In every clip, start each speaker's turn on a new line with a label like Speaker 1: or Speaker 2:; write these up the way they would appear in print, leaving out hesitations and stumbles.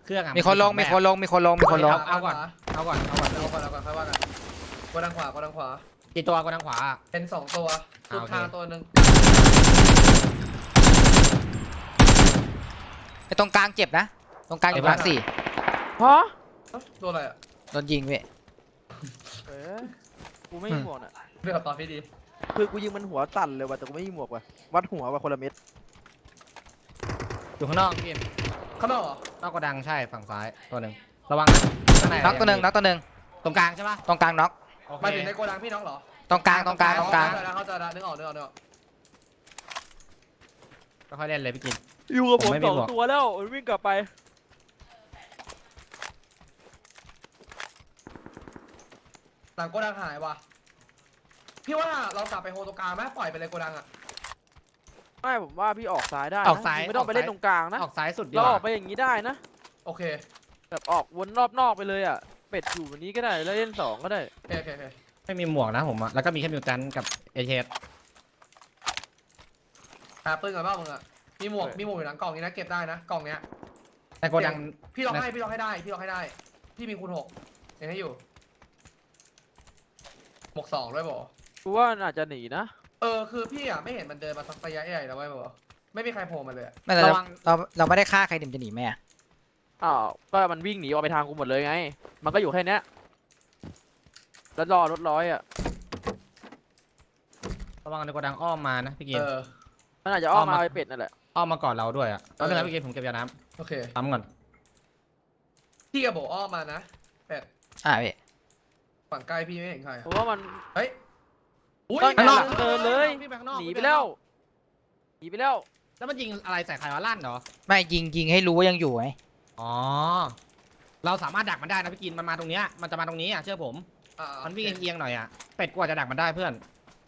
Speaker 1: รื่องอะ
Speaker 2: มีคนลง
Speaker 1: เอาก่อนค่อยว่ากัน
Speaker 3: เอาก่อนค่อยว่ากันกดทางขวากดทางขวา
Speaker 1: กี่ตัวกูทางขวา
Speaker 3: เป็น2ตัวสุดทางตัวนึง
Speaker 2: ไอ้ตรงกลางเจ็บนะตรงกลางอยู่
Speaker 1: เจ็บ
Speaker 2: มาร์ค 4
Speaker 4: ฮะ
Speaker 3: โดนอะไรอ่ะ
Speaker 2: โดนยิงเว้ย
Speaker 4: กูไม่มีหมวกอ่ะ
Speaker 3: เรื่องตอนพี่ดี
Speaker 4: คือกูยิงมันหัวสั่นเลยว่ะแต่กูไม่มีหมวกว่ะวัดหัวว่ะคนละเม็ด
Speaker 1: อยู่ข้างนอกพี่
Speaker 3: ข้างนอกเหรอน
Speaker 1: อกกระดังใช่ฝั่งซ้ายตัวหนึ่งระวังนะข้างใน
Speaker 2: น็อกตัวหนึ่ง
Speaker 1: ตรงกลางใช่ปะ
Speaker 2: ตรงกลางน็อก
Speaker 1: โอเค
Speaker 3: มาถึงในโกดังพี่น้องเหรอ
Speaker 2: ตรงกลาง
Speaker 3: เข้าใจแล้วนึกออก
Speaker 1: ค่อยๆเล่นเลยพี่กิน
Speaker 4: อยู่กับผม
Speaker 1: ผมไม่มี
Speaker 4: สอง
Speaker 1: หมวก
Speaker 4: ตัวแล้วมันวิ่งกลับไป
Speaker 3: หลังโกดังหายว่ะพี่ว่าเรากลับไปโฮตรงกลางไหมปล่อยไปเลยโกดังอ่ะ
Speaker 4: ไม่ผมว่าพี่ออกซ้ายได้นะ
Speaker 1: ออกซ้าย
Speaker 4: ไม่ต้องไปเล่นตรงกลางนะ
Speaker 1: ออกซ้ายสุดดี
Speaker 4: เรา
Speaker 1: ก
Speaker 4: อ
Speaker 1: ว่า
Speaker 4: อกไปอย่างนี้ได้นะ
Speaker 3: โอเค
Speaker 4: แบบออกวนรอบนอกไปเลยอ่ะเป็ดอยู่วันนี้ก็ได้แล้วเล่น2ก็ได้
Speaker 3: โอเค
Speaker 1: ไม่มีหมวกนะผมอะแล้วก็มีแค่มิวตันกับเอเชส
Speaker 3: หาปืนกันบ้างมึงอ่ะมีหมวกอยู่หลังกล่องนี้นะเก็บได้นะกล่องเนี้ย
Speaker 1: แต่โกดัง
Speaker 3: พี่ล็อกให้ได้พี่มีคูณ6ยังให้อยู่หมวก2ด้วยบ่
Speaker 4: กูว่ามันอาจจะหนีนะ
Speaker 3: คือพี่อ่ะไม่เห็นมันเดินมาสักระยะใหญ่แล้วไว้บ่ไม่มีใครโผล่มาเลย
Speaker 2: ไม่แต่เราไม่ได้ฆ่าใครจะหนีไหมอะ
Speaker 4: อ้าวก็มันวิ่งหนีออกไปทางกูหมดเลยไง มันก็อยู่แค่เนี้ยแล้วรอรถร้อยอ่ะ
Speaker 1: ระวังในโกดังอ้อมมานะพี่กิน
Speaker 4: มันอาจจะอ้อมมาไปเป็ดนั่นแหละ
Speaker 1: อ้อมมาก่อนเราด้วยอะแล้วนะพี่กินผมเก็บยาน้
Speaker 3: โอเค
Speaker 1: ำซ้ำก่อน
Speaker 3: พี่กับโบอ้อมมานะเป็ด
Speaker 2: พี่
Speaker 3: ฝั่งใกล้พี่ไม่เห็นใคร
Speaker 4: เพราะว่ามัน
Speaker 3: เฮ้ยอุ้ย
Speaker 4: ข้างนอกเดินเลย
Speaker 1: พี่ไปข้างนอก
Speaker 4: หนีไปแล้วหนีไปแล้ว
Speaker 1: แล้วมันยิงอะไรใส่ใครวะลั่นเหรอ
Speaker 2: ไม่ยิงให้รู้ว่ายังอยู่ไง
Speaker 1: อ๋อเราสามารถดักมันได้นะพี่กินมันมาตรงเนี้ยมันจะมาตรงนี้อะเชื่อผมมันวิ่งเอียงๆหน่อยอะเป็ดกว่าจะดักมันได้เพื่อน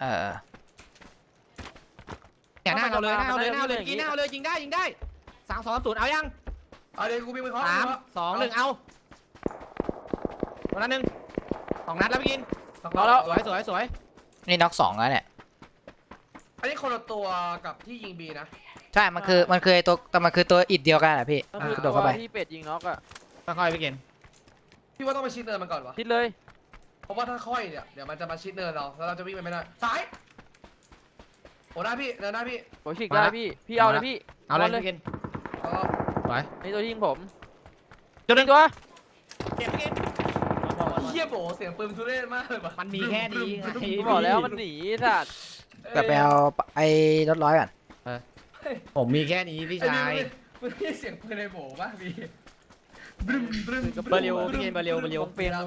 Speaker 1: เนี่ยหน้าเราเลยกินหน้าเลยยิงได้3-2-0เอายัง
Speaker 3: เดี๋ยวกูวิ่งไปเคาะ
Speaker 1: 3-2-1เอาตัวนั้น1 2 นัดแล้วพี่กิน
Speaker 3: รอแล้ว
Speaker 1: สวย
Speaker 2: นี่น็อก2แล้วเนี่ย
Speaker 3: อันนี้คนละตัวกับที่ยิงบีนะ
Speaker 2: ใช่มันคือไอ้ตัวแต่มันคือตัวอิดเดียวกันอะพี่
Speaker 4: ก็คือก
Speaker 2: ระโดดเข้าไป
Speaker 4: ที่เป็ดยิงน็อกอ่ะ
Speaker 1: ค่อยๆพี่กิน
Speaker 3: พี่ว่าต้องไปชิดเนินมันก่อนวะ
Speaker 4: ทิดเลย
Speaker 3: เพราะว่าถ้าค่อยเนี่ยเดี๋ยวมันจะมาชิดเนินเราแล้วเราจะวิ่งไปไม่ได้ซ้ายโอ้หน้าพี่เนินหน้าพี่
Speaker 4: ผมฉีกได้พี่เอาเลยพี่
Speaker 1: เอาเลยพี่กิน
Speaker 3: เอา
Speaker 1: สวย
Speaker 4: นี่ตัวยิงผม
Speaker 1: จุดหนึ่ง
Speaker 4: ตัว
Speaker 1: เก็บพี่กิน
Speaker 3: เฮียโบเสียงปืนทุเรศมากเลยว่ะ
Speaker 1: มันมีแค่นี้ไง
Speaker 4: กูบอกแล้วมันหนีสัตว์
Speaker 2: กลับไปเอาไอ้รถร้อยก่อน
Speaker 1: ผมมีแค่นี้พี่ชาย
Speaker 3: มันไม่เสียงปืนในโบป่ะพี่บึ้ม
Speaker 1: เบอร์เร็วพี่กินเบอร์เร็ว
Speaker 4: วงเปียง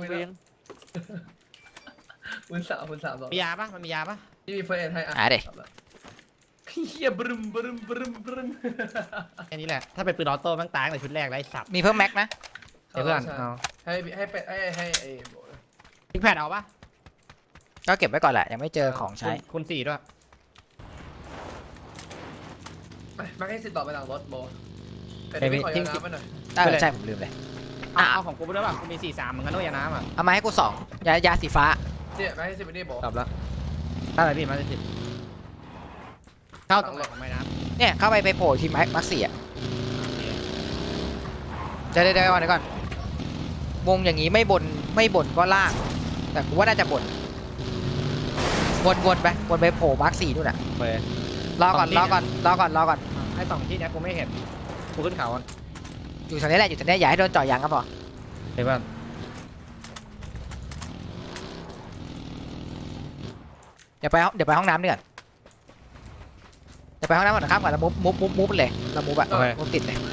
Speaker 3: คุณสามสอง
Speaker 1: มียาปะมันมียาปะ
Speaker 3: พี่มีเฟรนให้อ่ะเฮียบึ้ม
Speaker 1: แค่นี้แหละถ้าเป็นปืนออโต้แม่งตายในชุดแรกแล้วไอ้สับ
Speaker 2: มีเพิ่มแม็กนะ
Speaker 1: เดี๋ยวเพื่อนเอา
Speaker 3: ให้เป็ดให้ไอ้โบ
Speaker 1: พิกแพดเอาปะ
Speaker 2: ก็เก็บไว้ก่อนแหละยังไม่เจอของใช้
Speaker 1: คุณ4ด้วย
Speaker 3: มาให้สิทธิ์ต่อไปหลังรถโบเป็ดไม่ขอยาน้ำไปหน่อย
Speaker 2: ใช่ผมลืมเลย
Speaker 1: เอาของกูไปด้วยป่ะกูมี43เหมือนกันด้วยยาน้ำอ่ะ
Speaker 2: เอามาให้กู2ยาสีฟ้า
Speaker 3: เนี่ยมาให้สิทธิ์ไปนี่โบ
Speaker 1: กลับแล้วถ้าอะไรพี่มาจะติดเข้าตรงไหนของไม้น้
Speaker 2: เนี่ยเข้าไปโผล่ที่มาร์ค 4อะเดี๋ยวก่อนวงอย่างนี้ไม่บ่นก็ล่างแต่กูว่าน่าจะบ่นวนไปโผล่มาร์ค 4นู่นน่ะ
Speaker 1: ำเปิด
Speaker 2: รอก่อน
Speaker 1: ไอ้2ที่เนี้ยกูไม่เห็นกูขึ้นเขาอ่ะ
Speaker 2: อยู่ตรงนี้แหละอย่าให้โดนเจาะยางก็พอ
Speaker 1: เดี๋ยวเพื่อน
Speaker 2: เดี๋ยวไปห้องน้ำดีกว่าเดี๋ยวไปห้องน้ำก่อนนะครับก่อนแล้วมุฟเลยเรามุฟอะมุฟติดเลย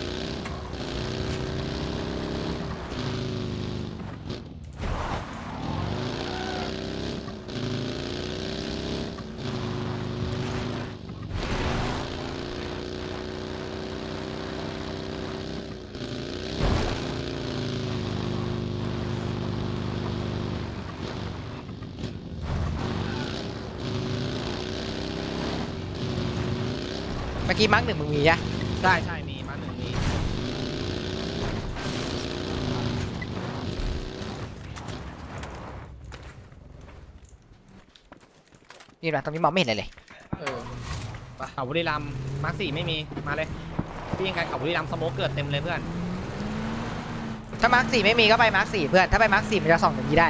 Speaker 2: เมื่อกี้มาร์ค 1มึงมีจ้ะ
Speaker 1: ใช่มีมา1มี
Speaker 2: นี่นะตรงนี้มองไม่เห็นเลย
Speaker 1: เขาบุรีรัมย์มาร์ค4ไม่มีมาเลยพี่ยังไงเขาบุรีรัมย์สโมกเกิดเต็มเลยเพื่อน
Speaker 2: ถ้ามาร์ค4ไม่มีก็ไปมาร์ค4เพื่อนถ้าไปมาร์ค4มันจะส่องอย่างนี้ได้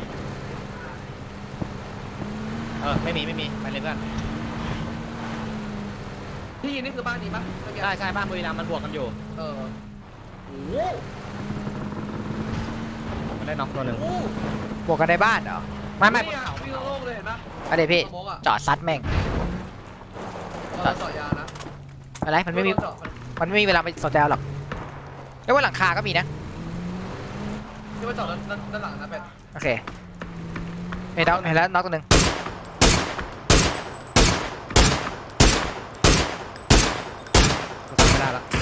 Speaker 1: ไม่มีไปเลยเพื่อน
Speaker 3: ที่ยินนี่คือบ้านนี้ปะ
Speaker 1: ใช่บ้านบุรีรัมย์มันบวกกันอยู่
Speaker 3: โอ้โห
Speaker 1: มันได้น็อกตัวหนึ่ง
Speaker 2: บวกกันในบ้านเหรอ
Speaker 1: ไม่
Speaker 3: เนี่ยวิ่งโล่งเลยเห็นปะ
Speaker 2: เอาเดี๋ยวพี่
Speaker 3: สโมกอะ
Speaker 2: จอดซัดแม่ง
Speaker 3: เราเจาะยานะ
Speaker 2: อะไรมันไม่มี
Speaker 3: เจาะ
Speaker 2: มันไม่มีเวลาไปสนใจหรอกไม่ว่าหลังคาก็มีนะ
Speaker 3: ที่ว่าเจาะด้านหลังนะเป็ด
Speaker 2: โอเคเห็นแล้วน็อกตัวหนึ่ง
Speaker 1: กูทำไม่ได้ละ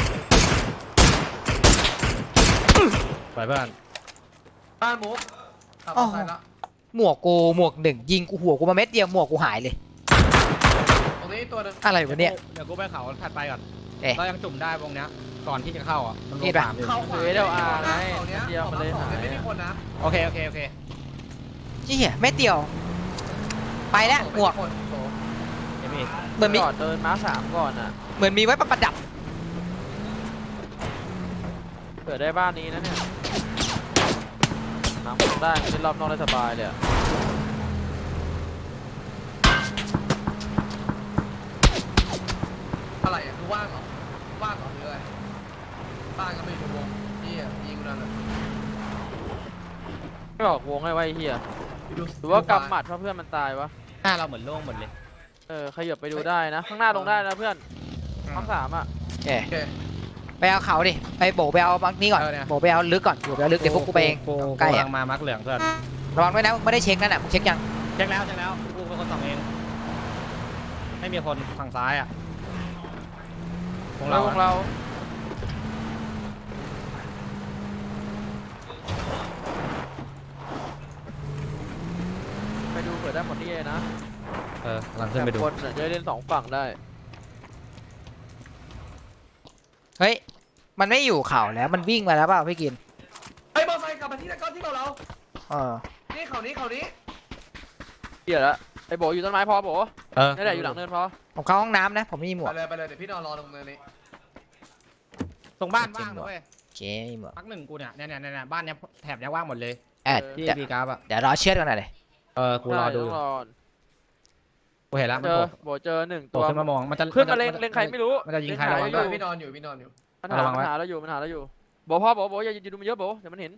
Speaker 1: ปล่อยเพื่อน
Speaker 3: บ้านมุกขับมอเตอร์ไซค์ละ
Speaker 2: หมวกหนึ่งยิงกูหัวกูมาเม็ดเดียวหมวกกูหายเลย
Speaker 3: ตรงนี้ตัวหนึง
Speaker 2: อะไรวะเนี่ย
Speaker 1: เดี๋ยวกูไปเขาถัดไปก่อน
Speaker 2: เอ๊ะ
Speaker 1: เรายังจุ่มได้วงเนี้ยก่อนที่จะเข้าอ่ะมันล
Speaker 2: นี่
Speaker 1: ง
Speaker 2: ปะ
Speaker 1: สามอยู่
Speaker 3: เข้าขวา
Speaker 4: เดี๋ยวอาไง
Speaker 3: เขาเนี้ย
Speaker 4: เดียวมาเลย
Speaker 3: ของ
Speaker 4: หาย
Speaker 3: ไม่มีคนนะ
Speaker 1: โอเค
Speaker 2: เหี้ยเม็ดเดียว ไปแล้วหมวก
Speaker 3: ไคนโถ
Speaker 1: เดี๋ยวมี
Speaker 2: เหมือนมี
Speaker 4: จอดเดินม้า3ก่อนอ่ะ
Speaker 2: เหมือนมีไว้ประดับ
Speaker 4: เกิดได้บ้านนี้นะเนี่ยน้ำลงได้เล่นรอบนอกได้สบายเลยอะ
Speaker 3: อะไรอ่ะคือว่างเหรอว่างเหรอหรืออะไรบ้านก็ไม่อยู่ในวงนี่อ่ะยิงกูนั่นแหละ
Speaker 4: ไม่บอกวงให้ไว้ไอ้เฮีย
Speaker 3: ดู
Speaker 4: หรือว่ากำหมัดเพราะเพื่อนมันตายวะ
Speaker 1: หน้าเราเหมือนโล่งหมดเลย
Speaker 4: ขยับไปดูได้นะ ข้างหน้าลงได้นะเพื่อนห้อง3อ่ะ
Speaker 2: โอเค
Speaker 3: โอเค
Speaker 2: ไปเอาเขาดิไปโบไปเอาบังนี้ก่อนโบไปเอาลึกก่อนโบไปเอาลึกเดี๋ยวพวกกูไปเอง
Speaker 1: กู
Speaker 2: ใกล้
Speaker 1: กำ
Speaker 2: อะ
Speaker 1: ลังมามักเหลืองเพื่อน
Speaker 2: ระวังด้วยนะมึงไม่ได้เช็คนั่นน่ะมึงเช็คยัง
Speaker 1: เช็คแล้วกูเป็นคนส่องเองไม่มีคนฝั่งซ้ายอ่ะของ
Speaker 4: เรา
Speaker 1: เรา
Speaker 4: ของเรา ไปดูเผื่อได้หมดนี่เลยนะ
Speaker 1: กำลังขึ้นไปดู
Speaker 4: คนน่ะจะได้เล่น2ฝั่งได้
Speaker 2: เฮ้ยมันไม่อยู่เขาแล้วมันวิ่งมาแล้วเปล่าพี่กิน
Speaker 3: ไอ้ยมอเตอร์ไซค์กลับมาที่ตะก้อนที่เรา
Speaker 2: เออ
Speaker 3: นี่เขานี้
Speaker 4: เหี้ยละไอ้โบอยู่ต้นไม้พอโบนี่แหละอยู่หลังเนินพอ
Speaker 2: ผมเข้าห้องน้ำนะผมไม่มีหมวก
Speaker 3: ไปเลยเดี๋ยวพี่นอนรอตรงเนินนี้
Speaker 1: ตรงบ้านว่างนะเว้ย
Speaker 2: โอเคไม่มีหมวก
Speaker 1: มักหนึ่งกูเนี่ยบ้านเนี้ยแถบเนี้ยว่างหมดเลย
Speaker 2: เดี๋
Speaker 1: ที่
Speaker 2: ยว
Speaker 1: บีกราฟอ่ะ
Speaker 2: เดี๋ยวรอเชือดกันหน่อยเลย
Speaker 1: กูรอดูอยู่
Speaker 4: ต้องรอ
Speaker 1: กูเห็นแล้วมัน
Speaker 4: เจอ
Speaker 1: โผล่
Speaker 4: โบเจอ1
Speaker 1: โผ
Speaker 4: ตั
Speaker 1: ล่
Speaker 4: ว
Speaker 1: ขึ้นมามองมันจะ
Speaker 4: ขึ้นมาเล็งใครไม่รู้
Speaker 1: มันจะยิงใคร
Speaker 4: เล็
Speaker 1: ระวัง
Speaker 4: อ
Speaker 1: ด้วย
Speaker 3: พี่นอนอยู่
Speaker 4: มัน
Speaker 1: ระวังไว้
Speaker 4: หาเราอยู่โบพ่อโบอย่าดูมันเยอะโบเดี๋ยวมันเห็น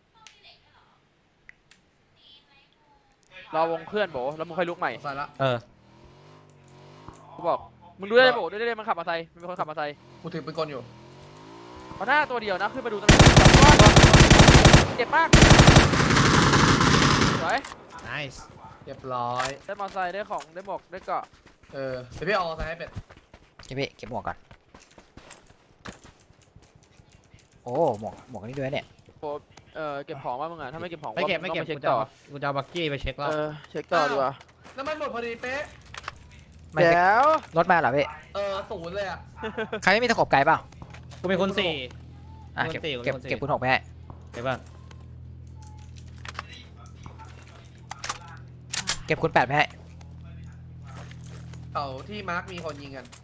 Speaker 4: รอวงเคลื่อนโบแล้วมึงค่อยลุกใหม่
Speaker 3: ใส่ละ
Speaker 4: กูบอกมึงดูได้โบดูได้มันขับมาไซค์มันเป็นคนขับมาไซค์
Speaker 3: กูถือปืนกลอยู่
Speaker 4: เอาหน้าตัวเดียวนะขึ้นมาดูตำแหน่งเจ็บมากสวย
Speaker 1: nice
Speaker 3: เรียบร้อย
Speaker 4: ได้มอไซค์ได้ของได้หมวกได้เกราะ
Speaker 3: เดี๋ยวพี่เอามอเตอร์ไซค์ให้เป็ด
Speaker 2: เก็บพี่เก็บหมวกก่อนโอ้หมวกนี่ด้วยเนี่ย
Speaker 4: เก็บของว่ามึงอ่ะถ้าไม่เก็บของ
Speaker 1: ไม่เก็บ
Speaker 4: ต้องปเช็
Speaker 1: กู
Speaker 4: ค
Speaker 1: จะ
Speaker 4: ต่อ
Speaker 1: กูจะเอาบักกี้ไปเช็คแล้ว
Speaker 4: เช็คต่อดีกว่า
Speaker 3: น้ำมันหมดพอดีเป๊ะ
Speaker 2: ไม่เช็ค
Speaker 4: เดี๋ยว
Speaker 2: รถมาเหรอพี่
Speaker 3: ศูนย์เลยอ่ะ
Speaker 2: ใครไม่มีตะขบไกลเปล่า
Speaker 1: กูเป็นคนสี่
Speaker 2: อ่ะ
Speaker 1: คน
Speaker 2: เก็บ
Speaker 1: สี่
Speaker 2: เก็บ
Speaker 1: คนสี่
Speaker 2: เก็บคุณหกไปให้
Speaker 1: เห็นป่ะ
Speaker 2: เก็บคุณ8ไปให้
Speaker 3: เขาที่มาร์คมีคนยิงกัน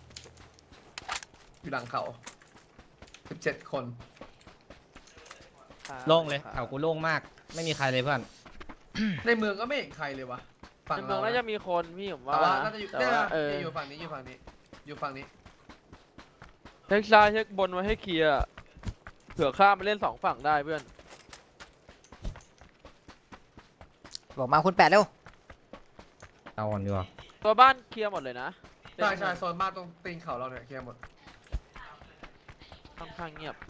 Speaker 3: อยู่หลังเขา17 คน
Speaker 1: โล่งเลยแถวกูโล่งมาก ไม่มีใครเลยเพื่อน
Speaker 3: ในเมืองก็ไม่เห็นใครเลยวะฝั่ง
Speaker 4: ในเมื
Speaker 3: เรา
Speaker 4: องน่าจะมีคนพี่ผม
Speaker 3: แต่ว่า
Speaker 4: ว่า
Speaker 3: น่าจะอยู่
Speaker 4: แต่
Speaker 3: เนี่ย
Speaker 4: ว่า
Speaker 3: อยู่ฝั่งนี้อยู่ฝั่งนี้อยู่ฝั่งนี้
Speaker 4: เช็คซ้ายเช็คบนไว้ให้เคลียร์เผื่อข้ามไปเล่น2ฝั่งได้เพื่อน
Speaker 2: บอกมาคุณ8เร็ว
Speaker 1: เอาก่อนดีกว่า
Speaker 4: ตัวบ้านเคลียร์หมดเลยนะ
Speaker 3: ใช่โซนบ้านตรงตีนเขาเราเนี่ยเคลียร์หมด
Speaker 4: ค่อนข้างเงียบ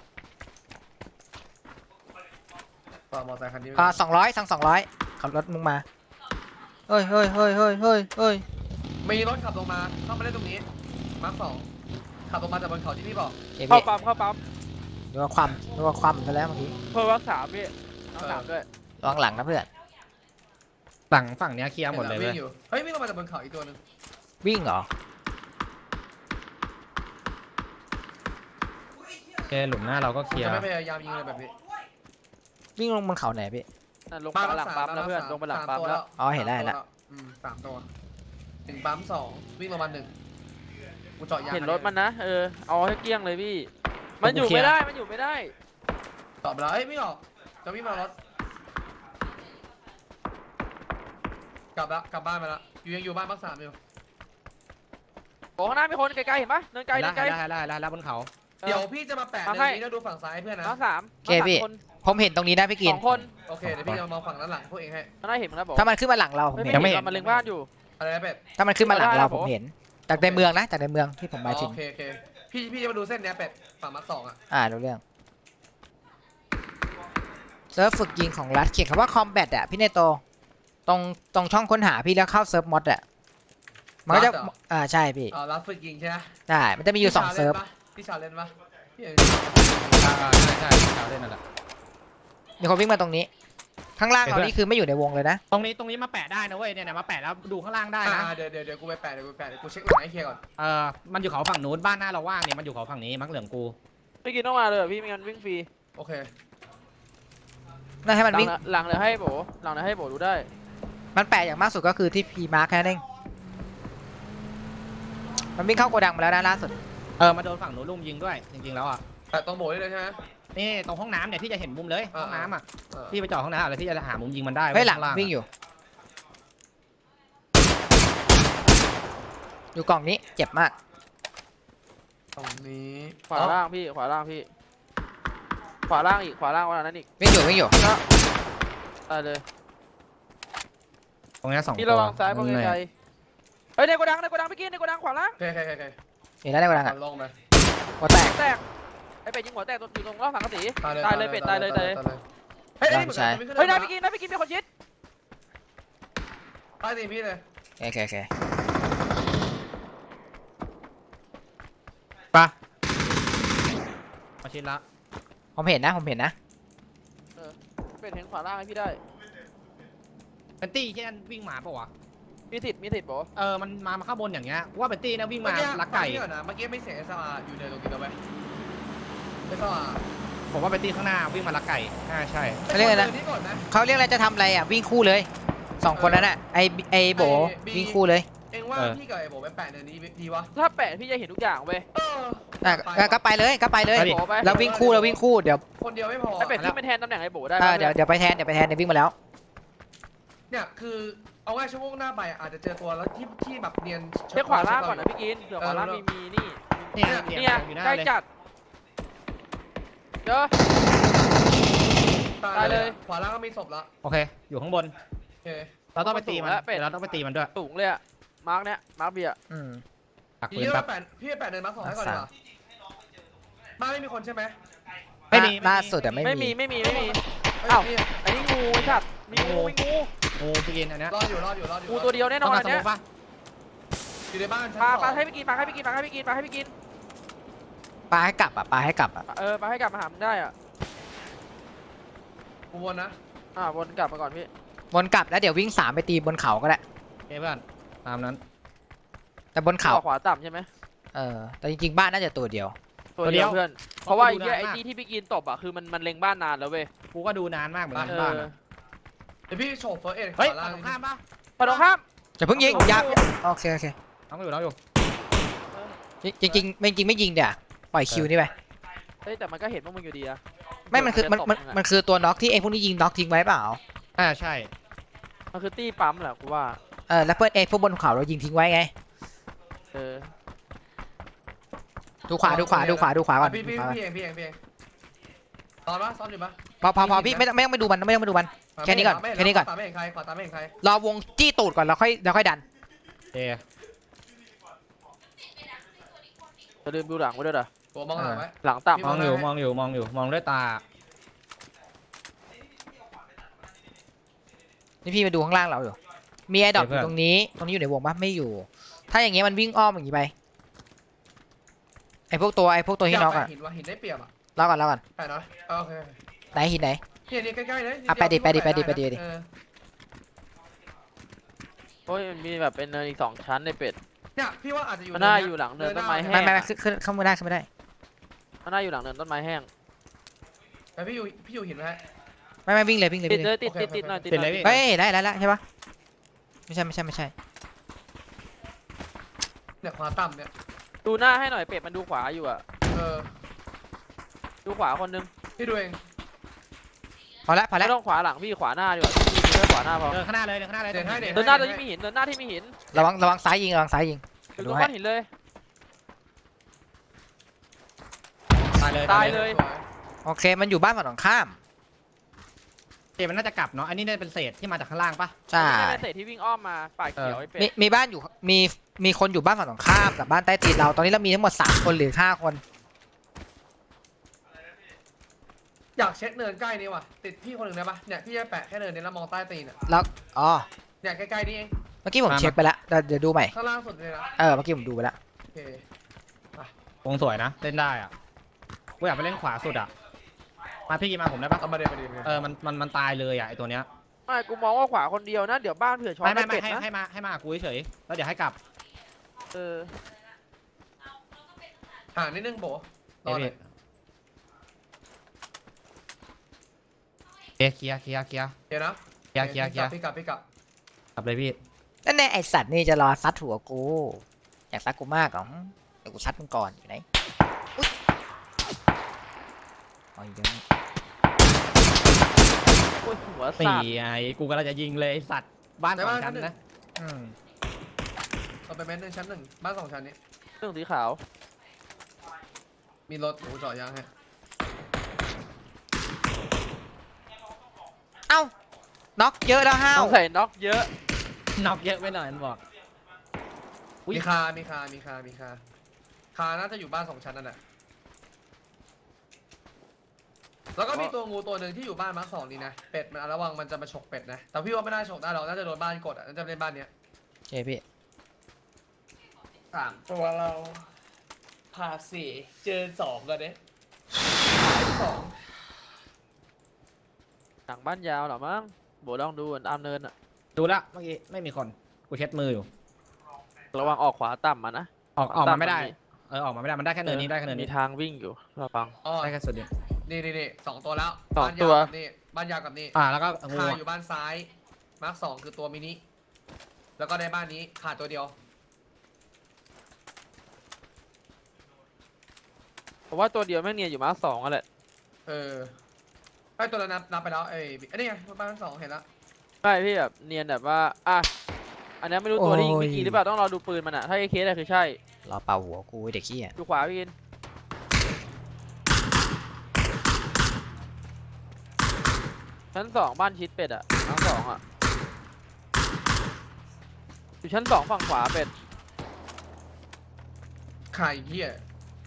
Speaker 3: ต่อมอเตอร์ไซค์คันนี้
Speaker 2: 200สั่ง200ขับรถมึงมาเฮ้ย
Speaker 3: มีรถขับลงมาเข้ามาได้ตรงนี้มาร์ค2ขับลงมาจากบนเขาที่พี่บอก
Speaker 2: เก็บ
Speaker 4: เข้า
Speaker 2: พี่
Speaker 4: ปั๊ม
Speaker 2: ดูว่าความไปแล้วเมื่อกี้
Speaker 4: เพิ่มวัก3พี่วัก3ด้วย
Speaker 2: ระวังหลังนะเพื่อน
Speaker 1: ฝั่งเนี้ยเคลียร์หมดเลย
Speaker 3: วิ่
Speaker 1: เว้ย
Speaker 3: งอยู่เฮ้ยวิ่งลงมาจากบนเขาอีกตัวหนึง
Speaker 2: วิ่งเหรอ
Speaker 1: โอเคหลุมหน้าเราก็เคลียร์
Speaker 3: จะไม่พยายามยิงอะไรแบบนี้
Speaker 2: วิ่งลงบนเขาไหนพี่
Speaker 4: ลงไปหลังปั๊มแล้วเพื่อนลงไปหลังปั๊มแล้ว
Speaker 2: อ๋อเห็นแล้ว
Speaker 3: 3 ตัว1ปั๊ม2วิ่งลงมา1กูเจาะยาง
Speaker 4: เห็นรถมันนะเอาให้เกลี้ยงเลยพี่มันอยู่ไม่ได้
Speaker 3: ตอบแล้วเอ้ยไม่ออกจะวิ่งมารถกลับละกลับบ้านไปละยังอยู่บ้านพัก3อยู่
Speaker 4: โอ้ข้างหน้ามีคนไกลๆเห็นปะเนินไกล
Speaker 1: ได้
Speaker 4: เนินไกล
Speaker 1: ได้บนเขา
Speaker 3: เดี๋ยวพี่จะมาแปะ
Speaker 4: มา
Speaker 3: เนิ
Speaker 4: ให้
Speaker 3: นนี้แล้วดูฝั่งซ้ายเพื่อนนะ
Speaker 4: มาสาม
Speaker 2: โอเคพี่
Speaker 4: คน
Speaker 2: ผมเห็นตรงนี้นะพี่กิน
Speaker 4: 2 คน
Speaker 3: โอเคเดี๋ยวพี่จะมองฝั่งด้านหลังพวกเองให้
Speaker 4: ข้างหน้าเห็นมั้ยนะบอก
Speaker 2: ถ้ามันขึ้นมาหลังเราผม
Speaker 4: ไม่
Speaker 2: เห็น
Speaker 1: ยังไม่
Speaker 4: เห็นมันเล็งบ้านอยู่
Speaker 3: อะไรนะเป็ด
Speaker 2: ถ้ามันขึ้นมาหลังเรา
Speaker 4: ได้
Speaker 2: ผม
Speaker 4: ผม
Speaker 2: เห็นจากในเมืองนะจากในเมืองที่ผมหมายถึง
Speaker 3: โอเคพี่จะมาดูเส้นเนี้ยเป็ดฝั่งมาร์ค2อ่ะ
Speaker 2: รู้เรื่องเซิร์ฟฝึกยิงของรัฐเขียนคำว่า combat อ่ะพี่เนโตตรงช่องค้นหาพี่แล้วเข้าเซิร์ฟมอดอ่ะมันก็จะใช่พี่
Speaker 3: รับฝึกยิงใช่ไหม
Speaker 2: ได้มันจะมีอยู่2เซิร์ฟ
Speaker 3: พี่ชาเล่นปะพี่
Speaker 1: ใช่ชาวเล่นนั่นแหละ
Speaker 2: มีคนวิ่งมาตรงนี้ ข้างล่างเรานี่คือไม่อยู่ในวงเลยนะ
Speaker 1: ตรงนี้มาแปะได้นะเว้ยเนี่ยมาแปะแล้วดูข้างล่างได้นะ
Speaker 3: เดี๋ยวกูไปแปะเดี๋ยวกูเช็คหลังให้เคลียร์ก่อน
Speaker 1: มันอยู่เขาฝั่งนู้นบ้านหน้าเราว่างเนี่ยมันอยู่เขาฝั่งนี้มักเหลืองกู
Speaker 4: ไม่กินต้องมาเลยพี่ไม่งั้นวิ่งฟรี
Speaker 3: โอเค
Speaker 2: น่าให้มันวิ่ง
Speaker 4: หลังเดี๋ยวให้โบหลังเดี๋ยวให้โบดูได้
Speaker 2: มันแปลอย่างมากสุดก็คือที่พีมาร์คแค่นั้นเองมันวิ่งเข้าโกดังมาแล้วนะล่าสุด
Speaker 1: มาโดนฝั่งนู้นลุมยิงด้วยจริงๆแล้วอ่ะ
Speaker 3: แต่ต้องโบยเลยใช่ไหม
Speaker 1: นี่ตรงห้องน้ำเนี่ยที่จะเห็นมุมเลยห้องน้ำอ่ะ
Speaker 3: เออ
Speaker 1: ที่ไปจอดห้องน้ำอะไรที่จะหามุมยิงมันได้
Speaker 2: เฮ้ยหลัง
Speaker 1: ข้าา
Speaker 2: วิ่งอยู่ อยู่กล่องนี้เจ็บมาก
Speaker 3: ตรงนี้
Speaker 4: ขวาล่างพี่ขวาล่างพี่ขวาล่างอีกขวาล่างวันนั้นอีก
Speaker 2: วิ่งอยู่
Speaker 4: ตายเลย
Speaker 1: ตรงนี้2
Speaker 4: พี่
Speaker 1: ตั
Speaker 4: ระ
Speaker 1: ว
Speaker 4: วังซ้ายเพราะไกลๆเฮ้ยในโกดังพี่กินในโกดังขวาล่าง
Speaker 3: โอเค
Speaker 2: เห็นแล้วในโกดังอ่ะ
Speaker 3: ลงไป
Speaker 2: หัวแตก
Speaker 4: แตกไอ้เป็ดยิงหัวแตกอยู่ตรงรอบสังกะสี
Speaker 3: ตาย
Speaker 4: ตายเลยเป็ดตายเลย
Speaker 3: เฮ้ย
Speaker 4: เฮ้ยนายพี่กินมีคนชิด
Speaker 3: ตายตีพี่เลย
Speaker 2: โอเค
Speaker 1: ปะมาชิดละ
Speaker 2: ผมเห็นนะ
Speaker 4: เป็ดเห็นขวาล่างให้พี่ได้
Speaker 1: เป็นตี้แค่นั้นวิ่งมาปะวะ
Speaker 4: มีสิทธิ์โบ
Speaker 1: มันมาข้างบนอย่างเงี้ยว่าเป็นตี้นะวิ่งมาลักไก่
Speaker 3: เมื่อกี้ไม่เสียงSRอยู่ในตรงนี้แล้วไหมSR
Speaker 1: ผมว่าเป็นตี้ข้างหน้าวิ่งมาลักไก่ใช่
Speaker 2: เขาเรียกอะไรนะ
Speaker 3: นี่ก่อนนะ
Speaker 2: เขาเรียกอะไรจะทำอะไรอ่ะวิ่งคู่เลย2คนนั้นอ่ะไอโบวิ่งคู่เลย
Speaker 3: เองว่าพี่กับไอ้โบไปแปะเนินนี้ดีวะ
Speaker 4: ถ้าแปะพี่จะเห็นทุกอย่างเว้ย
Speaker 2: ก็ไปเลย
Speaker 4: โบไป
Speaker 2: แล้ววิ่งคู่เดี๋ยว
Speaker 3: คนเดียวไม่พอ
Speaker 4: ไอ้เป็ดที่เป็นแทนตำแหน่งไอ้โบได้
Speaker 2: เดี๋ยวไปแทนเดี๋ยววิ่งมาแล้ว
Speaker 3: เนี่ยคือเอาง่ายชั่วโมงหน้าไปอาจจะเจอตัวแล้วที่แบบเนียน
Speaker 4: เช็คขวาล่างก่อนนะพี่กินเผื่อขวาล่างมีนี่
Speaker 1: ๆเนี่ย
Speaker 4: เนี่ย
Speaker 1: อยู่หน้า
Speaker 4: ใกล้
Speaker 1: เลย
Speaker 4: จัดเจอ
Speaker 3: ตายเลยขวาล่างก็มีศพแล้ว
Speaker 1: โอเคอยู่ข้างบน
Speaker 3: โอเค
Speaker 1: เราต้องไปตีมันเราต้องไปตีมันด้วย
Speaker 4: สูงเลยอะมาร์กเนี้ยมาร์กเบียร์
Speaker 1: ตัก
Speaker 3: ที
Speaker 1: ปืน
Speaker 3: นี้
Speaker 1: แป๊
Speaker 3: เรา
Speaker 1: บ
Speaker 3: แปะพี่ไปแปะเนินมาร์ค 2ให้ก่อนดีกว่าบ้านไม่มีคนใช่ไหม
Speaker 1: ไม่มี
Speaker 2: ล่าสุดแต่ไม่
Speaker 4: ไม่
Speaker 2: มี
Speaker 4: มี
Speaker 3: เอ้
Speaker 4: อ้าว ไอ้นี่งูไอ้สัตว์มีงู
Speaker 1: งูพี่กินอันเนี้ย
Speaker 3: รออยู่
Speaker 4: งูตัวเดียวแน่น
Speaker 1: ต้อ
Speaker 4: อง น
Speaker 1: มา
Speaker 4: อัน
Speaker 1: ส
Speaker 4: เนี้
Speaker 1: มุ
Speaker 4: ย
Speaker 1: กปะ
Speaker 3: อยู่ในบ้านชั้น
Speaker 4: ปลา
Speaker 3: 2
Speaker 4: ให้พี่กินปลาให้พี่กิน
Speaker 2: ปลาให้กลับอ่ะ
Speaker 4: ปลาให้กลับมาหามันได้อ่ะ
Speaker 3: กูวนนะ
Speaker 4: วนกลับมาก่อนพี่
Speaker 2: วนกลับแล้วเดี๋ยววิ่ง3ไปตีบนเขาก็ได้
Speaker 1: โอเคเพื่อนตามนั้น
Speaker 2: แต่บนเขา
Speaker 4: ขวาต่ำใช่ไหม
Speaker 2: แต่จริงๆบ้านน่าจะตัวเดียว
Speaker 4: ตัวเดียวเพื่อนเพราะว่าไอ้ที่พี่กินตบอ่ะคือมันเล็งบ้านนานแล้วเว้ย
Speaker 1: กูก็ดูนานมากเหมือนกันบ้าน
Speaker 3: เดี๋ยวพี่โฉบเฟิร์สเอ็ด
Speaker 1: เฮ้ย
Speaker 3: ขวา
Speaker 1: ฝั่
Speaker 3: ล่าง
Speaker 1: งตรงข้ามปะ
Speaker 4: ฝั่งตรงข้าม
Speaker 2: จะเพิ่งยิงยับโอเค
Speaker 1: น้องอยู่
Speaker 2: จริงๆไม่ยิงเดี๋ยวปล่อยคิวนี่ไป
Speaker 4: เฮ้ยแต่มันก็เห็นว่ามึงอยู่ดีอะ
Speaker 2: ไม่มันคือตัวน็อกที่เองพวกนี้ยิงน็อกทิ้งไว้เปล่า
Speaker 1: ใช่
Speaker 4: มันคือตี้ปั๊มแหละกูว่า
Speaker 2: แล้วเพื่อนเองพวกบนเขาเรายิงทิ้งไว้ไง ดูขวาก่อน
Speaker 3: พี่เองตอนปะซ้อมอยู่ปะ
Speaker 2: พอพี่ไม่ต้องไปดูมันไม่ต้องไปดูมัน แค่นี้ก่อน
Speaker 3: ขวาตาไม่เห็นใครขวาตาไม่เห็นใคร
Speaker 2: รอวงจี้ตูดก่อนแล้วค่อยดัน
Speaker 1: เอ
Speaker 4: จะลืมดูหลังไว้ด้วยเหรอ
Speaker 3: ตัวมองหลังไว้
Speaker 4: หลังต่ำ
Speaker 1: มองอยู่ด้วยตา
Speaker 2: นี่พี่มาดูข้างล่างเราอยู่มีไอ้ดอกอยู่ตรงนี้อยู่ในวงปะไม่อยู่ ถ้าอย่างเงี้ยมันวิ่งอ้อมอย่างงี้ไปไอ้พวกตัวที่น็อกอ่ะ
Speaker 3: หินได้เปรียบอ่ะ
Speaker 2: รอก่อน
Speaker 3: แปะนะโอเค
Speaker 2: ไหนหินไหน
Speaker 3: นี่ใกล้ๆเลย
Speaker 2: ไปดิ
Speaker 4: โอ้ยมันมีแบบเป็นเนินอีก2 ชั้นในเป็ด
Speaker 3: เนี่ยพี่ว่าอาจจะอยู่
Speaker 4: มันน่าอยู่หลังเนินต้นไม้แห้ง
Speaker 2: ไม่ขึ้นไม่ได้
Speaker 4: มันน่าอยู่หลังเนินต้นไม้แห้ง
Speaker 3: แต่พี่อยู่หินไหม
Speaker 2: ไม่วิ่งเลย
Speaker 4: ติดหน่อย
Speaker 2: เฮ้ยได้ใช่ปะไม่ใช่
Speaker 3: เนี่ยขวาต่ำเนี่ย
Speaker 4: ดูหน้าให้หน่อยเป็ดมันดูขวาอยู่อะ
Speaker 3: เออ
Speaker 4: ดูขวาคนนึง
Speaker 3: พี่ดูเอง
Speaker 2: พอแล้ว
Speaker 4: ไม่ต้องขวาหลังพี่ขวาหน้าดีกว่าพี่แค่ขวาหน้าพอ
Speaker 1: เดินข้างหน้าเลยเดินข้างหน้าเลย
Speaker 3: เดินให้
Speaker 4: เดินหน้าที่มีหินเดินหน้าที่มีหิน
Speaker 2: ระวังซ้ายยิง
Speaker 4: ถึง
Speaker 2: ดู
Speaker 4: ตรง
Speaker 2: ให้
Speaker 4: ก้อนหินเลย
Speaker 1: ตายเลย
Speaker 4: ตายเลย
Speaker 2: โอเคมันอยู่บ้านฝั่งตรงข้าม
Speaker 1: เจมันน่าจะกลับเนาะอันนี้น่าจะเป็นเศษที่มาจากข้างล่างปะ
Speaker 2: ใช่
Speaker 4: ไม่ใช่เศษที่วิ่งอ้อมมาป่าเขียวไอ้เป็ด
Speaker 2: มีบ้านอยู่มีคนอยู่บ้านฝั่งตรงข้ามกับบ้านใต้ตีนเราตอนนี้เรามีทั้งหมด3 คนหรือ5 คน
Speaker 3: อยากเช็คเนินใกล้นี่ว่ะติดพี่คนหนึ่งได้ปะเนี่ยพี่จะแปะแค่เนินนี้แล้วมองใต้ตีนอ่ะ
Speaker 2: แล้วอ๋อ
Speaker 3: เนี่ยใกล้ๆนี่เอง
Speaker 2: เมื่อกี้ผมเช็คไปแล้วเดี๋ยวดูใหม่
Speaker 3: ข้างล่างสุดเลยนะ
Speaker 2: เมื่อกี้ผมดูไปแล้ว
Speaker 3: โอเค
Speaker 1: วงสวยนะเล่นได้อ่ะกูอยากไปเล่นขวาสุดอ่ะมาพี่กินมาผมได้ปะ
Speaker 3: เอามาเดี๋ยว
Speaker 1: มันตายเลยอ่ะไอตัวเนี้ย
Speaker 4: ไม่กูมองว่าขวาคนเดียวนะเดี๋ยวบ้านเผื่อช้อน
Speaker 1: ไม่
Speaker 4: ได้เป็ดนะ
Speaker 1: ให้มากูเฉยๆแล้วเดี๋ยวให้กลับ
Speaker 4: เออ
Speaker 3: ห่างนิดนึงโบรอหน่อย
Speaker 1: เคลียร์
Speaker 3: เดี๋ยวนะ
Speaker 1: เคลียร์
Speaker 3: พี่กลับ
Speaker 1: กลับเลยพี่
Speaker 2: นั่นแน่ไอสัตว์นี่จะรอซัดหัวกูอยากซัดกูมากเหรอเดี๋ยวกูซัดมึงก่อนอยู่ไหนอุ๊ยอ๋ออยู่ตรงนี้
Speaker 4: โอ้ยหัว
Speaker 1: นี่
Speaker 4: สัตว์
Speaker 1: ไอ้กูกำลังจะยิงเลยไอ้สัตว์บ้านสองชั้นนะ
Speaker 2: อืม
Speaker 3: เอาไปเมตรหนึ่งชั้น 1บ้าน2 ชั้นนี้
Speaker 4: เรื่องสีขาว
Speaker 3: มีรถหนูจอดยางให้
Speaker 2: เอ้าน็อกเยอะแล้วห้าว
Speaker 4: ต้องใส่น็อกเยอะ
Speaker 1: น็อกเยอะไปหน่อยมันบอก อุ๊ย
Speaker 3: มีคาน่าจะอยู่บ้าน2 ชั้นนั่นแหละแล้วก็มีตัวงูตัวหนึ่งที่อยู่บ้านมาร์ค 2นี่นะเป็ดมันระวังมันจะมาฉกเป็ดนะแต่พี่ว่าไม่น่าฉกได้หรอกน่าจะโดนบ้านกดอ่ะน่าจะเล่นบ้านเนี้ย
Speaker 2: โอเคพี่
Speaker 3: 3 ตัวเราผ่า4เจอ2กันเนี่ย2
Speaker 4: หนังบ้านยาวเหรอมั้งโบลองดูตามเนินอะ
Speaker 1: ดูละเมื่อกี้ไม่มีคนกูเช็ดมืออยู่
Speaker 4: ระวังออกขวาต่ำมานะ
Speaker 1: ออกมาไม่ได้ออกมาไม่ได้มันได้แค่เนินนี้ได้แค่เนิน
Speaker 4: มี
Speaker 1: นี้
Speaker 4: ทางวิ่งอยู่ระวัง
Speaker 3: อ๋อ
Speaker 1: ได้แค่สุดเดียว
Speaker 3: นี่2 ตัวแล้ว
Speaker 4: สอง
Speaker 3: บ้าน
Speaker 4: ตัว
Speaker 3: ยาวกับนี่บ้านยาวกับนี่
Speaker 1: แล้วก็งู
Speaker 3: คาอยู่บ้านซ้ายมาร์ค 2คือตัวมินิแล้วก็ในบ้านนี้ขาดตัวเดียว
Speaker 4: เพราะว่าตัวเดียวแม่งเนียนอยู่มาร์ค 2อ่ะแหละ
Speaker 3: ไอ้ตัวนั้นนับไปแล้วอันนี้ไงบ้าน2เห็นแล้ว
Speaker 4: ใช่พี่แบบเนียนแบบว่าอันนี้ไม่รู้ตัวที่ยิงกี่หรือเปล่าต้องรอดูปืนมันอะถ้าไอ้เคสอะคือใช่
Speaker 2: รอเป่าหัวกูไอ้เด็กขี้อ่ะ
Speaker 4: ดูขวาพี่กินชั้น 2บ้านชิดเป็ดอะชั้น 2อะอยู่ชั้น 2ฝั่งขวาเป็ด
Speaker 3: ไข่เหี้ย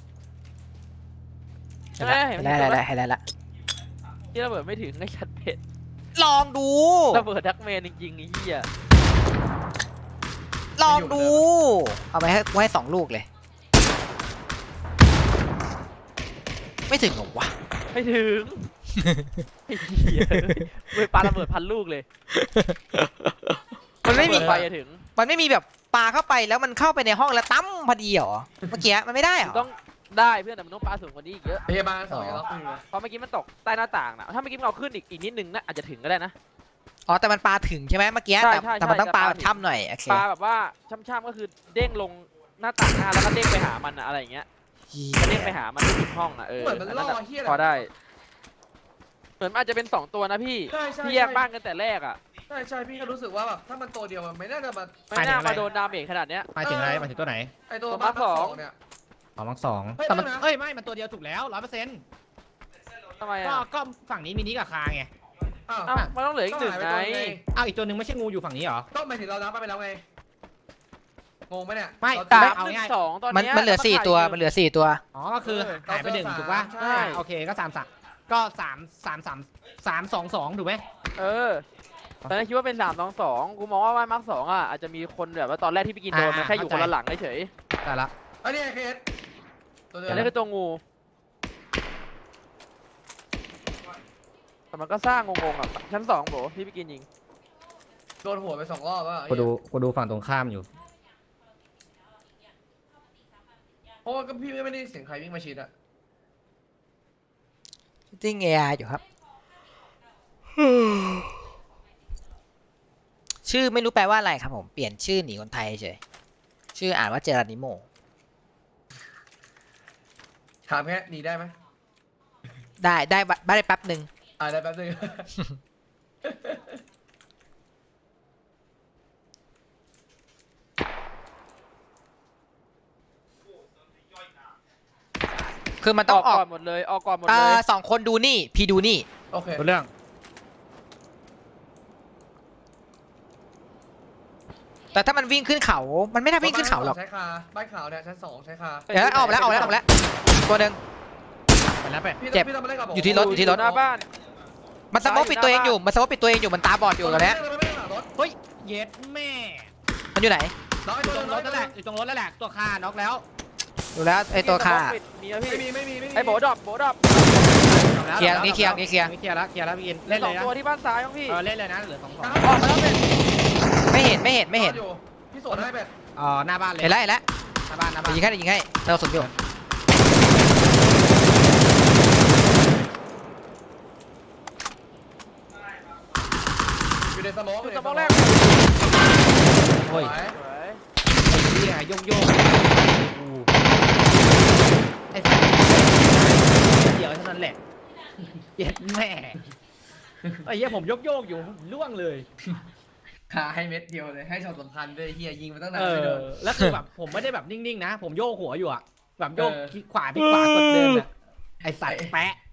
Speaker 2: เห็นแล้วละ
Speaker 4: ที่ระเบิดไม่ถึงไอ้ชัดเป็ด
Speaker 2: ลองดู
Speaker 4: ระเบิดดักเมนจริงๆไอ้เหี้ย
Speaker 2: ลองดูเอาไปให้2 ลูกเลย ไม่ถึงหรอวะ
Speaker 4: ไม่ถึงไอ้เหี้ยเว้ยปาระเบิด1,000 ลูกเลย
Speaker 2: มันไม่มี
Speaker 4: ระเบิดไฟจะถึง
Speaker 2: มันไม่มีแบบปาเข้าไปแล้วมันเข้าไปในห้องแล้วตั้มพอดีเหรอเมื่อกี้มันไม่ได้เหรอ
Speaker 4: ต้องได้เพื่อนแต่มันต้องปาสูงกว่านี้อีกเยอะ
Speaker 3: พยาบาล2ยังล็อกอยู่เลย
Speaker 4: เพราะเมื่อกี้มันตกใต้หน้าต่างนะถ้าเมื่อกี้มันเอาขึ้นอีกนิดนึงนะอาจจะถึงก็ได้นะ
Speaker 2: อ๋อแต่มันปาถึงใช่ไหมเมื่อกี้
Speaker 4: ใช่
Speaker 2: แต่มันต้อง
Speaker 4: ใช่
Speaker 2: ปา
Speaker 4: แต่
Speaker 2: แบ
Speaker 4: ปา
Speaker 2: บ
Speaker 4: ถึง
Speaker 2: ถ้ำหน่อยโอเค
Speaker 4: ปาแบบว่าช่ำๆก็คือเด้งลงหน้าต่างหน้าแล้วก็เด้งไปหามันอะอะไรอย่างเงี้ยก็เด้งไปหามันที่ห้องอะ
Speaker 3: เหมือนมัน
Speaker 4: อัน
Speaker 3: ล่
Speaker 4: นั้
Speaker 3: อน
Speaker 4: อะ
Speaker 3: เหี้ย
Speaker 4: พอได้ เหมือนมันอาจจะเป็น2 ตัวนะพี่
Speaker 3: ใช่
Speaker 4: ที่แยกบ้านกันแต่แรกอะ
Speaker 3: ใช่พี่ก็รู้สึกว่าแบบถ้ามันตัวเดียวมันไม่น่าจะมา
Speaker 4: ไม่น่ามาโดนดาเมจขนาดเนี้ย
Speaker 1: หมายถึงอะไรหมายถึงตัวไหน
Speaker 3: ไอตัว
Speaker 4: ตัว
Speaker 3: บ้าน
Speaker 4: มาร์ค
Speaker 3: 2เนี่ย
Speaker 1: มังสอง
Speaker 3: เฮ้ย
Speaker 1: แต่มัน
Speaker 3: ไม่นะ
Speaker 1: ไม่มันตัวเดียวถูกแล้ว100%
Speaker 4: ทำไม
Speaker 1: ก็
Speaker 4: อะ
Speaker 1: ก็ฝั่งนี้มินิกับคาไง
Speaker 3: อ้าว
Speaker 4: อ้าวมันต้องเหลืออีก 1
Speaker 3: หายไป
Speaker 4: ไง
Speaker 3: ตัวไง
Speaker 1: อีกตัวหนึ่งไม่ใช่งูอยู่ฝั่งนี้เหรอ
Speaker 3: ก็หมายถึงเรานับไปแล้วไงงงไหมเนี่ย
Speaker 1: ไม่
Speaker 3: เรา
Speaker 1: ตา
Speaker 3: จะ
Speaker 1: เอาง่าย
Speaker 4: 3-1-2ตอน
Speaker 2: มัน
Speaker 4: เนี้ย
Speaker 2: มันเหลือ
Speaker 4: แล้ว
Speaker 2: 4 ตัว
Speaker 4: ขาด
Speaker 2: มันเหลือ4 ตัว
Speaker 1: อ๋อก็คือหายไปหนึ่งถูกป่ะ
Speaker 3: ใช่
Speaker 1: โอเคก็3 3 ถูกไหม
Speaker 4: เออตอนแรกคิดว่าเป็น3-2กูมองว่ามาร์ค 2อะอาจจะมีคนแบบว่าตอนแรกที่พี่กินโดนมันแค่อยู่คนละหลังเฉย
Speaker 1: แต่ละ
Speaker 3: อันนี้เคสตัวเดียว
Speaker 4: อันนี้คือตัวงูแต่มันก็สร้างงงๆอะชั้น 2โบที่พี่กินยิง
Speaker 3: โดนหัวไป2 รอบแล้ว
Speaker 1: กูดูฝั่งตรงข้ามอยู่
Speaker 3: เพราะว่าก็พี่ไม่ได้เสียงใครวิ่งมาชิดอะ
Speaker 2: ติ้งเอไออยู่ครับ ชื่อไม่รู้แปลว่าอะไรครับผมเปลี่ยนชื่อหนีคนไทยเฉยชื่ออ่านว่าเจรานิโม
Speaker 3: ถามแค่หนีได้ไหม
Speaker 2: ได้แป๊บหนึ่ง
Speaker 3: ได้แป๊บนึง
Speaker 2: คือมันต้องออก
Speaker 4: ก่อนหมดเลยออกก่อนหมดเลย
Speaker 2: 2 คนดูนี่ พี่ดูนี่
Speaker 3: โอเค
Speaker 1: รู้เรื่อง
Speaker 2: แต่ถ้ามันวิ่งขึ้นเขา มันไม่น่าวิ่งขึ้นเขาหรอก
Speaker 3: ใช้คาบ้านขาวเนี่ยชั้น2ใช้คา
Speaker 2: เดี๋ยวออกมาแล้วตัวหนึ่ง
Speaker 1: ไปแล้วเป็ด
Speaker 3: พี่
Speaker 2: เจ็บ
Speaker 3: พี่ต้องมาเล่นกับผม
Speaker 2: อยู่ที่รถอยู่ที่รถ
Speaker 4: หน้าบ้าน
Speaker 2: มันสโมกปิดตัวเองอยู่ มันสโมกปิดตัวเองอยู่ มันตาบอดอยู่ตอนเนี้ย
Speaker 1: เฮ้ยเย็ดแม่
Speaker 2: มันอยู่ไหน
Speaker 3: น้อย
Speaker 1: อยู่
Speaker 3: ตัว
Speaker 1: ตรงรถนั่นแหละอยู่ตรงรถนั่นแหละตัวคาน็อกแล้ว
Speaker 2: ดูแล้วไอตัวคา
Speaker 4: มีนะพี่
Speaker 3: ไม่มี
Speaker 4: ไอ้โบดรอป
Speaker 2: เคลียร์นี่เคลียร์นี่เคลียร์
Speaker 1: เคลียร์แล้วพี่กิน
Speaker 4: เล่
Speaker 1: เล่
Speaker 4: น
Speaker 1: น
Speaker 4: ส
Speaker 1: เล
Speaker 4: อง
Speaker 1: ยนะ
Speaker 4: ตัวที่บ้านซ้ายของพี่
Speaker 1: เล่นเลยนะเหลือ2
Speaker 3: ออกมาแล้วเป็ด
Speaker 2: ไม่เห็นไม่เห็น
Speaker 3: อยู่พี่สวนให้เป็ด
Speaker 1: หน้าบ้านเลย
Speaker 2: เห็นแล้วเห็นแล้ว
Speaker 1: หน้าบ้าน
Speaker 2: ยิงให้เราสนอยู่
Speaker 3: อยู่ในสโมก
Speaker 4: จุดสมองแรก
Speaker 1: โอ้ย
Speaker 4: สวย
Speaker 1: เฮียโยกไอ้สัสเดี๋ยวเท่านั้นแหละเย็ดแม่ไอ้เหี้ยผมโยกอยู่ล่วงเลย
Speaker 3: ขาให้เม็ดเดียวเลยให้ช็อตสำคัญด้วยเฮียยิงมาตั้งนานไม่โดน
Speaker 1: แล้วคือแบบผมไม่ได้แบบนิ่งๆนะ ผมโยกหัวอยู่อะแบบโยก
Speaker 3: เออ
Speaker 1: ขวาพลิกขวากดเดินอะไอ้สัตว์แปะ